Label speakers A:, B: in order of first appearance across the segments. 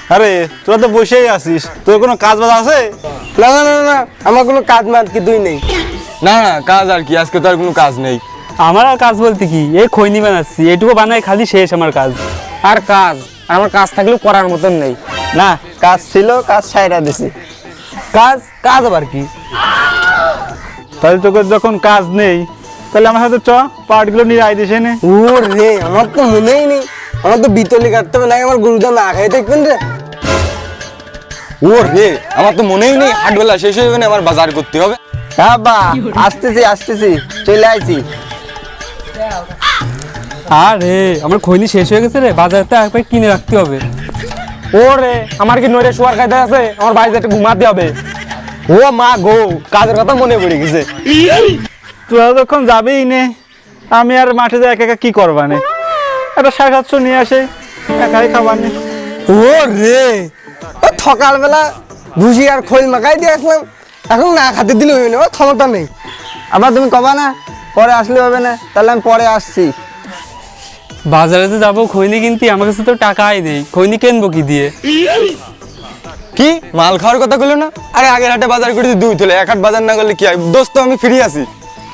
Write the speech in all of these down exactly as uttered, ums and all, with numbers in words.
A: আরে তোরা তো বসেই আছিস, তোর কোনো কাজ বাজ আছে?
B: না না না না, আমার কোনো কাজ মাজ কিছুই নেই।
C: না না কাজ আর কি, আজকে তো আর কোনো কাজ নেই।
D: আমার আর কাজ বলতে কি, এই খৈনি বানাচ্ছি, এটুকু বানাই খালি শেষ আমার কাজ।
B: আর কাজ আমার কাজ থাকলেও করার মতন নেই।
E: না কাজ ছিল, কাজ ছাইরা দিছি।
B: কাজ কাজ আবার কি?
A: তাহলে তোকে যখন কাজ নেই তাহলে আমার সাথে চ, পার্টগুলো নিয়ে আই দিস এনে।
B: ও রে, আমার তো মনেই নেই, আমার তো বিতলি কাটতে হবে, না আমার গরুটা না খাই দেখবেন রে।
C: ও রে, আমার তো মনেই নেই হাটবেলা শেষ হয়ে যাবে, আমার বাজার করতে হবে।
E: হ্যাঁ বা আসতেছি আসতেছি, চলে আইছি।
D: আরে আমার খৈনি শেষ হয়ে গেছে রে, বাজারতে একবার কিনে রাখতে হবে।
B: ও রে, আমার কি নইরে শোয়ার খাইতে আছে, আমার বাড়িতে একটু ঘুমাতে হবে। ও মা গো, কাজের কথা মনে পড়ে গেছে।
A: তোরা যখন যাবেই নে, আমি আর মাঠে যাই একা একা কি করবা নে? একটা সাড়ে সাতশো নিয়ে আসে, একাই খাবার নে।
B: ও রে, ও সকালবেলা ভুসি আর খোল মাখাই দিয়ে আসলাম, এখন না খাতে দিলে হইবে না, ও ক্ষমতা নেই।
E: আবার তুমি কবা না পরে আসলে হবে না? তাহলে আমি পরে আসছি।
D: বাজারে তো যাবো খৈনি কিনতে, আমার কাছে তো টাকাই নেই, খৈনি কিনবো কি দিয়ে?
C: কি মাল খাওয়ার কথা বললো না? আরে আগের হাটে বাজার করেছি দুই তোলে, এক হাট বাজার না করলে কি হয়? দোস্ত আমি ফ্রি আছি।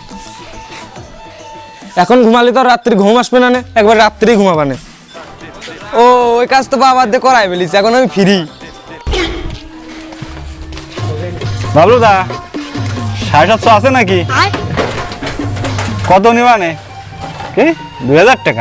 B: এখন ঘুমালে তো রাত্রি ঘুম আসবে না, একবার রাত্রি ঘুমাবানে।
C: ও ওই কাজ তো বাবার দিয়ে করাই ফেলিস, এখন আমি ফ্রি।
A: বাবলু দা, সাড়ে সাতশো আছে নাকি? কত নিবা নে? কি দুই হাজার টাকা?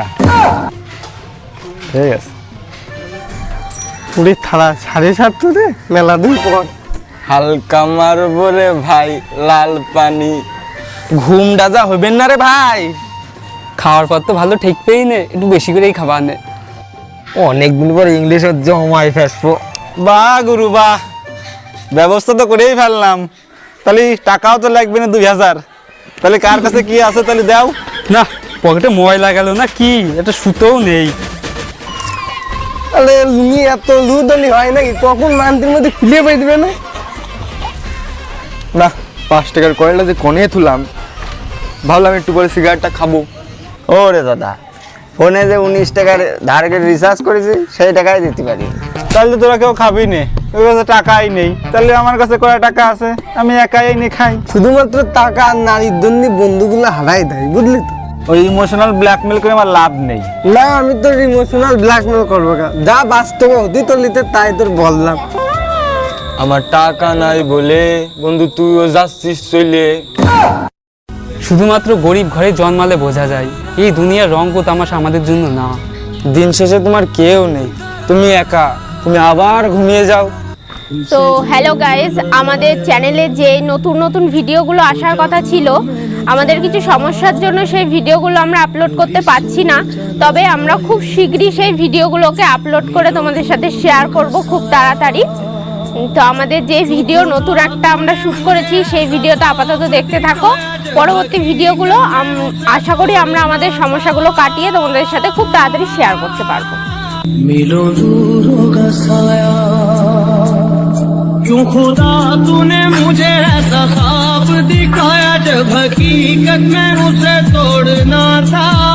A: ঠিক আছে।
B: পুরি থালা সাড়ে সাতশো রে, মেলা দিন পর।
C: হালকা মারবো রে ভাই, লাল পানি।
B: ঘুম ডাজা হইবেন না রে ভাই।
D: খাওয়ার পর তো ভালো ঠিক পেই নে, একটু বেশি করেই খাবার নে।
B: অনেকদিন পর ইংলিশ জমাই ফেসবো।
A: বাহ গুরু বাহ, ব্যবস্থা তো করেই ফেললাম। তাহলে টাকাও তো লাগবে না দুই হাজার। তাহলে কার কাছে কি আছে তাহলে দাও।
D: না পকেটে ময়লা গেল না কি, একটা সুতোও নেই।
B: তাহলে লুঙ্গি এত লুদলি হয় নাকি, কখন মান্তির মধ্যে খুলে পাই দিবে না?
C: না পাঁচ টাকার কয়েলটা যে কনে তুলাম, ভাবলাম একটু পরে সিগারেটটা খাবো।
E: ও রে দাদা, ফোনে যে উনিশ টাকার ধার করে রিচার্জ করেছি সেই টাকাই দিতে পারি।
A: তাহলে তোরা কেউ খাবি নে, ওই কাছে টাকাই নেই। তাহলে আমার কাছে কয় টাকা আছে, আমি একাই এনে খাই।
B: শুধুমাত্র টাকা আর নারীর জন্য বন্ধুগুলো হারাই দেয়, বুঝলি তো?
A: ওই ইমোশনাল ব্ল্যাকমেল করে আমার লাভ নেই।
B: না আমি তোর ইমোশনাল ব্ল্যাকমেল করবো না, যা বাস্তব হতি তোর লিতে তাই তোর বললাম।
C: আমার টাকা নাই বলে বন্ধু তুইও যাচ্ছিস চলে।
D: শুধুমাত্র গরিব ঘরে জন্মালে বোঝা যায়, এই দুনিয়ার রঙ তামাশা আমাদের জন্য না।
B: দিন শেষে তোমার কেউ নেই, তুমি একা, তুমি আবার ঘুমিয়ে যাও।
F: তো হ্যালো গাইজ, আমাদের চ্যানেলে যে নতুন নতুন ভিডিওগুলো আসার কথা ছিল, আমাদের কিছু সমস্যার জন্য সেই ভিডিওগুলো আমরা আপলোড করতে পারছি না। তবে আমরা খুব শীঘ্রই সেই ভিডিওগুলোকে আপলোড করে তোমাদের সাথে শেয়ার করব খুব তাড়াতাড়ি। তো আমাদের যে ভিডিও নতুন একটা আমরা শ্যুট করেছি সেই ভিডিওটা আপাতত দেখতে থাকো। পরবর্তী ভিডিওগুলো আশা করি আমরা আমাদের সমস্যাগুলো কাটিয়ে তোমাদের সাথে খুব তাড়াতাড়ি শেয়ার করতে পারবো।
G: मिलो दूर होगा साया, क्यों खुदा तूने मुझे ऐसा ख्वाब दिखाया जब हकीकत में उसे तोड़ना था।